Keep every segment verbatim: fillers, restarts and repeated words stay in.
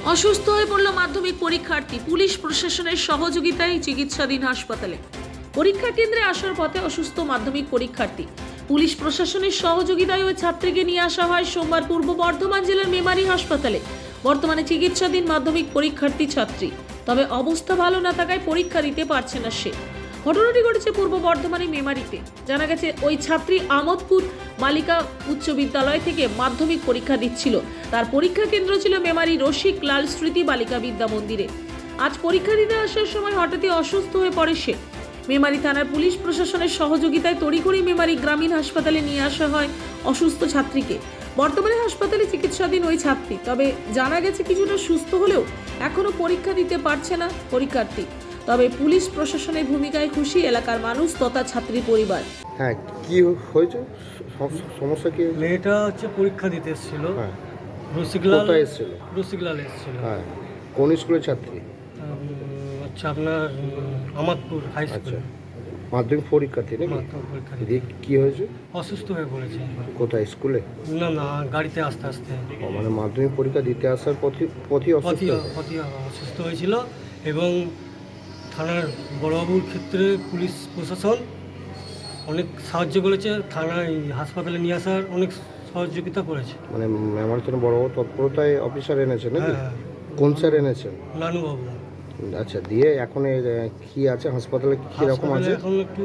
অসুস্থ হয়ে পড়ল মাধ্যমিক পরীক্ষার্থী, পুলিশ প্রশাসনের সহযোগিতায় চিকিৎসাধীন হাসপাতালে। পরীক্ষা কেন্দ্রে আসার পথে অসুস্থ মাধ্যমিক পরীক্ষার্থী, পুলিশ প্রশাসনের সহযোগিতায় ওই ছাত্রীকে নিয়ে আসা হয় সোমবার পূর্ব বর্ধমান জেলার মেমারি হাসপাতালে। বর্তমানে চিকিৎসাধীন মাধ্যমিক পরীক্ষার্থী ছাত্রী, তবে অবস্থা ভালো না থাকায় পরীক্ষা দিতে পারছে না সে। ঘটনাটি ঘটেছে পূর্ব বর্ধমানের মেমারিতে। জানা গেছে ওই ছাত্রী আমোদপুর বালিকা উচ্চ বিদ্যালয় থেকে মাধ্যমিক পরীক্ষা দিচ্ছিল। তার পরীক্ষা কেন্দ্র ছিল মেমারি রসিক লাল স্মৃতি বালিকা বিদ্যা মন্দিরে। আজ পরীক্ষা দিতে আসার সময় হঠাৎই অসুস্থ হয়ে পড়ে সে। মেমারি থানার পুলিশ প্রশাসনের সহযোগিতায় তড়িঘড়ি মেমারি গ্রামীণ হাসপাতালে নিয়ে আসা হয় অসুস্থ ছাত্রীকে। বর্তমানে হাসপাতালে চিকিৎসাধীন ওই ছাত্রী, তবে জানা গেছে কিছুটা সুস্থ হলেও এখনো পরীক্ষা দিতে পারছে না পরীক্ষার্থী। তবে পুলিশ প্রশাসনের ভূমিকায় খুশি এলাকার মানুষ তথা ছাত্রীর পরিবার। হ্যাঁ, কি হয়েছে? সম- সমস্যা কি? মেয়েটা হচ্ছে পরীক্ষা দিতে এসেছিল। হ্যাঁ, রসিকলাল কোথায় এসেছিল? রসিকলাল এসেছিল। হ্যাঁ, কোন স্কুলের ছাত্রী? উম, হচ্ছে আপনার উম, আমাদপুর হাই আচ্ছা, স্কুল। মাধ্যমিক পরীক্ষার্থী নাকি? মাধ্যমিক পরীক্ষা দিতে দিয়ে কি হয়েছে? অসুস্থ হয়ে পড়েছে। কোথায়, স্কুলে? না না, গাড়িতে আস্তে আস্তে ও, মানে মাধ্যমিক পরীক্ষা দিতে আসার পথে পথই অসুস্থ পথি হয়েছে? পথি অসুস্থ হয়েছিল এবং থানার বড়বাবুর ক্ষেত্রে পুলিশ প্রশাসন অনেক সাহায্য করেছে। থানায় হাসপাতালে নিয়ে আসার অনেক সহযোগিতা করেছে। মানে আমার জন্য বড় বড় তৎপরতায় অফিসার এনেছে নাকি? হ্যাঁ, কোন স্যার এনেছেন? নানুবাবু। আচ্ছা, দিয়ে এখন এর, আহ, কি আছে হাসপাতালে, কি রকম হাসপাতালে আছে? এখন একটু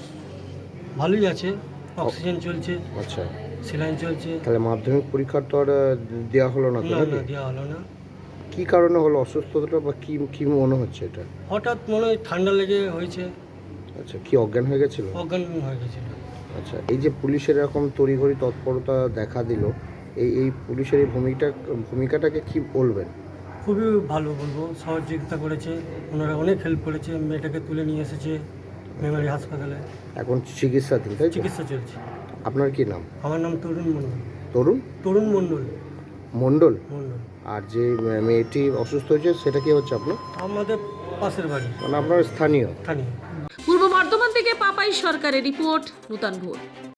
ভালোই আছে, অক্সিজেন চলছে, আচ্ছা, সেলাইন চলছে। তাহলে মাধ্যমিক পরীক্ষার তো আর আহ, দেওয়া হলো না তো না নাকি? না, দেওয়া হলো না। কি কারণে হলো অসুস্থতাটা, বা কি কি মনে হচ্ছে এটা? হঠাৎ মনে হয় ঠান্ডা লেগে হয়েছে, আচ্ছা, কি অজ্ঞান হয়ে গেছিল? অজ্ঞান হয়ে গেছিল। আচ্ছা, এই যে পুলিশের এরকম তড়িঘড়ি তৎপরতা দেখা দিল, এই এই পুলিশের এই ভূমিকা ভূমিকাটাকে কি বলবেন? খুবই ভালো বলবো, সহযোগিতা করেছে ওনারা, অনেক হেল্প করেছে। মেয়েটাকে তুলে নিয়ে এসেছে মেমারি হাসপাতালে, এখন চিকিৎসাধীন, তাই তো? চিকিৎসা চলছে। আপনার কি নাম? আমার নাম তরুণ মণ্ডল। তরুণ তরুণ মণ্ডল মণ্ডল। মণ্ডল আর যে মেয়েটি অসুস্থ হয়েছে সেটা কি হচ্ছে আপনার? আমাদের পাশের বাড়ি, মানে আপনার স্থানীয়? স্থানীয়। পূর্ব বর্ধমান থেকে পাপাই সরকারের রিপোর্ট, নূতন ভোর।